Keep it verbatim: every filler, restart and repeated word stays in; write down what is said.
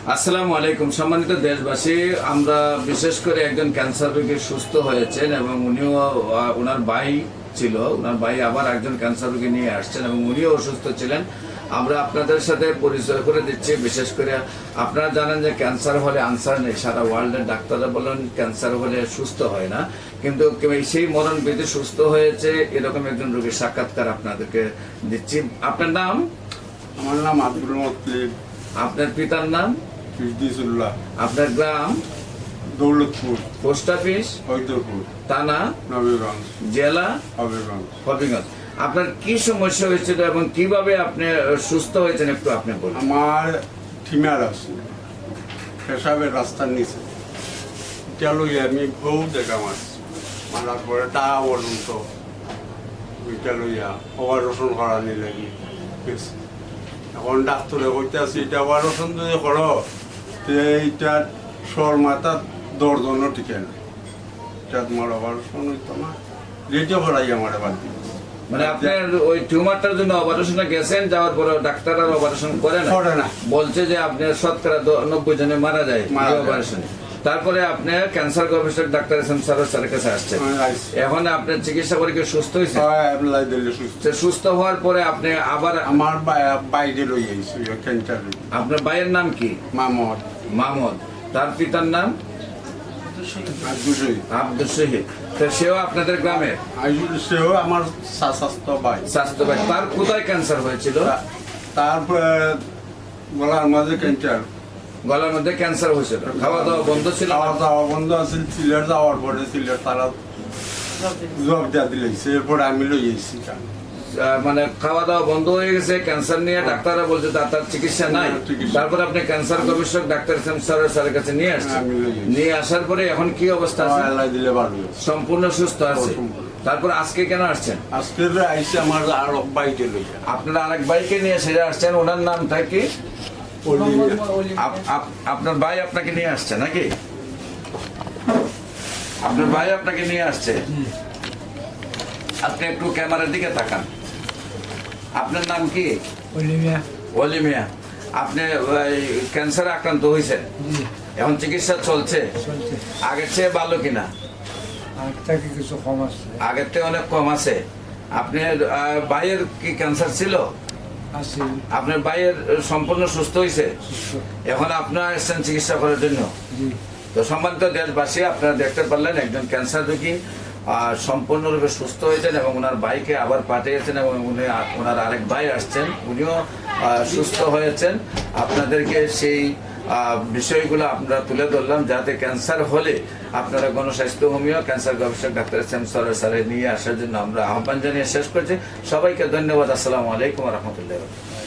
আসসালামু আলাইকুম সম্মানিত দেশবাসী, আমরা বিশেষ করে একজন ক্যান্সার রোগী সুস্থ হয়েছেন এবং উনিও আহ, ওনার ভাই ছিল, ওনার ভাই আবার একজন ক্যান্সার রোগী নিয়ে আসছেন এবং উনিও অসুস্থ ছিলেন। আমরা আপনাদের সাথে পরিচয় করে দিচ্ছি। বিশেষ করে আপনারা জানেন যে ক্যান্সার হলে আনসার নেই, সারা ওয়ার্ল্ডের ডাক্তাররা বলেন ক্যান্সার হলে সুস্থ হয় না, কিন্তু সেই মরণ বিধি সুস্থ হয়েছে এরকম একজন রোগীর সাক্ষাৎকার আপনাদেরকে দিচ্ছি। আপনার নাম? আমার নাম আব্দুল মতলিব। আপনার পিতার নাম? ফিরদিসুল্লাহ। আপনার গ্রাম? দৌলতপুর। Post office? হৈদরপুর। থানা? নবীগঞ্জ। জেলা? হবিগঞ্জ। হবিগঞ্জ। আপনার কি সমস্যা হয়েছিল এবং কিভাবে আপনি সুস্থ হয়েছেন একটু আপনি বলুন। আমার ঠিমার আছে পেশাবের রাস্তার নিচে, এটা লই আমি বউ দেখা মাছ মারার পরে তা পর্যন্ত ওইটা লইয়া অপারেশন করা নিলে এখন ডাক্তারে কইতে আছি এটা অপারেশন যদি করো এইটা সর মাথা দর্জনও টিকে না, এটা তোমার অপারেশন হইতো না, রেডিও করাই আমার বাদ দিল। মানে আপনার ওই টিউমারটার জন্য অপারেশনে গেছেন, যাওয়ার পরে ডাক্তার আর অপারেশন করে না, করে না, বলছে যে আপনার শতকরা নব্বই জনে মারা যায় অপারেশনে। তারপরে আপনি ক্যান্সার গবেষক ডাক্তার এস এম সারোয়ার স্যারের কাছে আসছেন, এখন আপনার চিকিৎসা করে কি সুস্থ হয়েছে? সুস্থ হওয়ার পরে আপনি আবার আমার বাইরে লই আইছি ক্যান্সার। আপনার ভাইয়ের নাম কি? মামদ। মামদ। তার পিতার নাম? আব্দুল শহীদ। তো সেও আপনাদের গ্রামে? সেও আমার স্বাস্থ্য ভাই। স্বাস্থ্য ভাই। তার কোথায় ক্যান্সার হয়েছিল? তারপরে গলার মাঝে ক্যান্সার। গলার মধ্যে ক্যান্সার হয়েছিল, খাওয়া দাওয়া বন্ধ ছিল? খাওয়া দাওয়া বন্ধ আছে, সিলেট যাওয়ার পরে সিলেট তারা জব দিয়া দিলেছে, এরপরে আমি লই আইছি। মানে খাওয়া দাওয়া বন্ধ হয়ে গেছে, ক্যান্সার নিয়ে ডাক্তাররা বলছে তার চিকিৎসা নাই। তারপর আপনি ক্যান্সার গবেষক ডাক্তার এস এম সারোয়ার স্যারের কাছে নিয়ে আসছেন, নিয়ে আসার পরে এখন কি অবস্থা আছে? সম্পূর্ণ সুস্থ আছে। তারপর আজকে কেন আসছেন? আজকে আইসি আমার আর বাইকে লইয়া। আপনার আরেক ভাইকে নিয়ে সেটা আসছেন, ওনার নামটা কি? আপনার ভাই আপনাকে নিয়ে আসছে নাকি? আপনার ভাই আপনাকে নিয়ে আসছে। আপনি একটু ক্যামেরার দিকে তাকান। আপনার নাম কি? অলিমিয়া। অলিমিয়া। আপনি ক্যান্সারে আক্রান্ত হয়েছেন, এখন চিকিৎসা চলছে, আগের চেয়ে ভালো কিনা? কিছু কম আছে, আগের থেকে অনেক কম আছে। আপনার ভাইয়ের কি ক্যান্সার ছিল? আপনার ভাইয়ের সম্পূর্ণ সুস্থ হয়েছে, এখন আপনারা এসেছেন চিকিৎসা করার জন্য। তো সম্মানিত দেশবাসী, আপনারা দেখতে পারলেন একজন ক্যান্সার রোগী সম্পূর্ণরূপে সুস্থ হয়েছেন এবং ওনার ভাইকে আবার পাঠিয়েছেন এবং উনি ওনার আরেক ভাই আসছেন, উনিও সুস্থ হয়েছেন। আপনাদেরকে সেই বিষয়গুলো আমরা তুলে ধরলাম যাতে ক্যান্সার হলে আপনারা গণস্বাস্থ্য হোমিও ক্যান্সার গবেষক ডাক্তার এস এম সারোয়ার স্যারের নিয়ে আসার জন্য আমরা আহ্বান জানিয়ে শেষ করছি। সবাইকে ধন্যবাদ। আসসালামু আলাইকুম ওয়া রাহমাতুল্লাহি।